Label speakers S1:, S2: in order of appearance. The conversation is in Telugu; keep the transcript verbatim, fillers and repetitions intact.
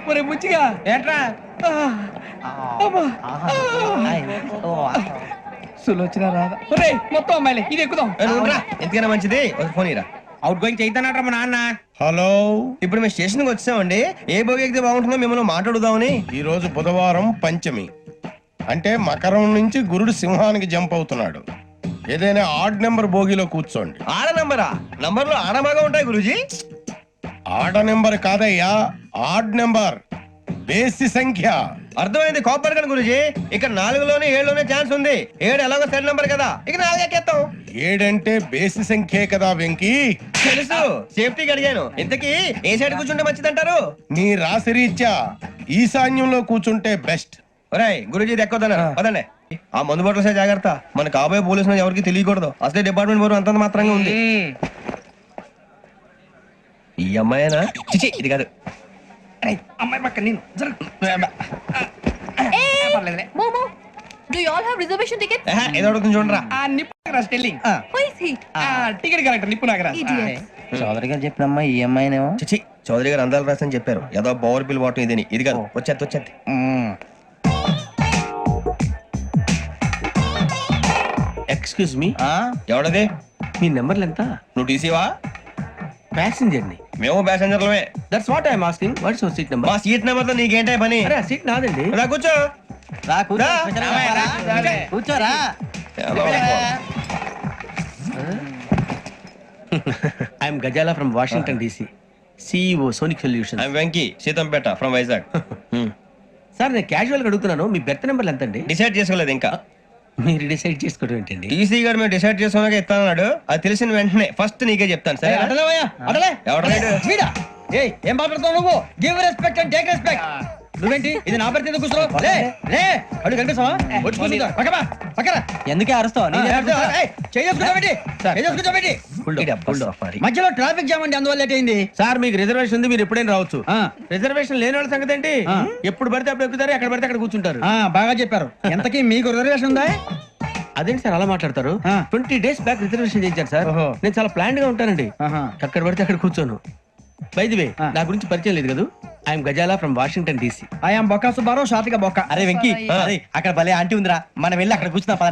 S1: ఒరే బుచ్చిగా
S2: ఏంట్రా
S1: సులోచన రాదా ఒరే మొత్తం అమ్మాయిలే ఇది ఎక్కుదాం
S3: ఎందుకైనా మంచిది ఒక ఫోన్ ఇరా.
S2: అవుట్ గోయింగ్ చేద్దానట్రా మా నాన్న.
S4: హలో,
S3: ఇప్పుడు మేము స్టేషన్కి వచ్చామండి. ఏ బోగి ఎక్కితే బాగుంటుందో మిమ్మల్ని మాట్లాడుదామని.
S4: ఈ రోజు బుధవారం పంచమి, అంటే మకరం నుంచి గురుడు సింహానికి జంప్ అవుతున్నాడు. ఏదైనా ఆడ్ నెంబర్ బోగిలో కూర్చోండి.
S3: ఆడ నంబరా? నంబర్లు ఆడమాగా ఉంటాయి గురూజీ.
S4: ఆడ నెంబర్ కాదయ్యా, ఆడ్ నెంబర్, బేసి సంఖ్య.
S3: అర్థమైంది, కాపర్ కానీ గురూజీ. ఇక్కడ నాలుగులోనే ఏడులోనే ఛాన్స్ ఉంది. ఏడు ఎలాగో సెడ్ నంబర్ కదా, ఇక నాలుగు ఎక్కేస్తాం.
S4: ఏడంటే బేసి సంఖ్యే కదా వెంకీ.
S3: తెలుసు, సేఫ్టీకి అడిగాను. ఇంతకీ ఏ సైడ్ కూర్చుంటే మంచిదంటారు?
S4: నీ రాశి రీత్యా ఈశాన్యంలో కూర్చుంటే బెస్ట్.
S3: ఒరేయ్ గురూజీ దెక్కొద్దన్నారు పదండి. ఆ మందు బాటలు సే జాగ్రత్త. మన కాబోయే పోలీసులు ఎవరికి తెలియకూడదు. అసలే డిపార్ట్మెంట్ బోరు అంతంత మాత్రంగా ఉంది. ఈ అమ్మాయినా? చిచి ఇది కాదు.
S1: అమ్మాయి పక్క నేను
S5: Momo, do you all have reservation tickets?
S3: ఏహే, ఏదో అడుగుతుంది చూడరా.
S1: ఆ నిప్పు Nagaraj telling
S5: Who is he?
S1: ఆ టికెట్ కరెక్టర్ నిప్పు నాగరాజ్.
S5: Idiot.
S2: చౌదరి గారు చెప్పినమ్మా ఈ అమ్మాయినేమో.
S3: చిచి చౌదరి గారు అందాలు రాసని చెప్పారు. ఏదో బోర్ బిల్ వాటం ఇదని. ఇది కాదు, వచ్చేది వచ్చేది.
S2: Excuse me,
S3: ఎవడది?
S2: మీ నెంబర్లు ఎంత?
S3: నువ్వు టీసీవా?
S2: ప్యాసింజర్ ని.
S3: మేము ప్యాసెంజర్లమే.
S2: That's what I'm asking. What's your seat number?
S3: మా సీట్ నెంబర్ తో నీకేంటే పని?
S2: అరే ఆ సీట్ నాదండి.
S3: రా కూర్చో.
S2: రా
S3: రా.
S2: కూర్చోరా. I'm Gazala from Washington DC, CEO Sonic solution.
S3: I'm Venky, Seethampeta from Vizag.
S2: Sir నేను క్యాజువల్ గా అడుగుతున్నాను, మీ బెర్త్ నెంబర్లు ఎంత అండి?
S3: డిసైడ్ చేసుకోలేదు ఇంకా.
S2: మీరు డిసైడ్ చేసుకోవడం ఏంటండి?
S3: టీసీ గారు మేము డిసైడ్ చేసుకున్నాక ఇస్తానన్నాడు. అది తెలిసిన వెంటనే ఫస్ట్ నీకే చెప్తాను. సరే
S1: ఏం మాట్లాడుతావు నువ్వు? Give respect and take respect. నువ్వేంటి ఇది నా పరిస్థితి కూర్చున్నావు? లే లే అడుగు కనిపిస్తావా? వచ్చి కూర్చుంటా. పక్కమా పక్కరా.
S2: ఎందుకే అరుస్తావు?
S1: మధ్యలో ట్రాఫిక్ జామ్ అండి, అందువల్ల లేట్ అయింది.
S2: సార్ మీకు రిజర్వేషన్ ఉంది, మీరు ఎప్పుడైనా రావచ్చు. రిజర్వేషన్ లేని వాళ్ళ సంగతి ఏంటి? ఎప్పుడు పడితే అప్పుడు ఎక్కుతారు, ఎక్కడ పడితే అక్కడ కూర్చుంటారు.
S1: బాగా చెప్పారు. ఎంతకీ మీకు రిజర్వేషన్ ఉందా?
S2: అదేంటి సార్ అలా మాట్లాడతారు? ట్వంటీ డేస్ బ్యాక్ రిజర్వేషన్ చేయించారు సార్. నేను చాలా ప్లాన్డ్ గా ఉంటానండి. ఎక్కడ పడితే అక్కడ కూర్చోను. బై ది వే, నా గురించి పరిచయం లేదు కదా. I'm Gazala from Washington DC.
S1: I'm బొక్క సుబ్బారావు, షాతిక బొక్క.
S2: అరే వెంకీ, అక్కడ భలే ఆంటీ ఉందిరా, మనం వెళ్ళి అక్కడ కూర్చున్నా.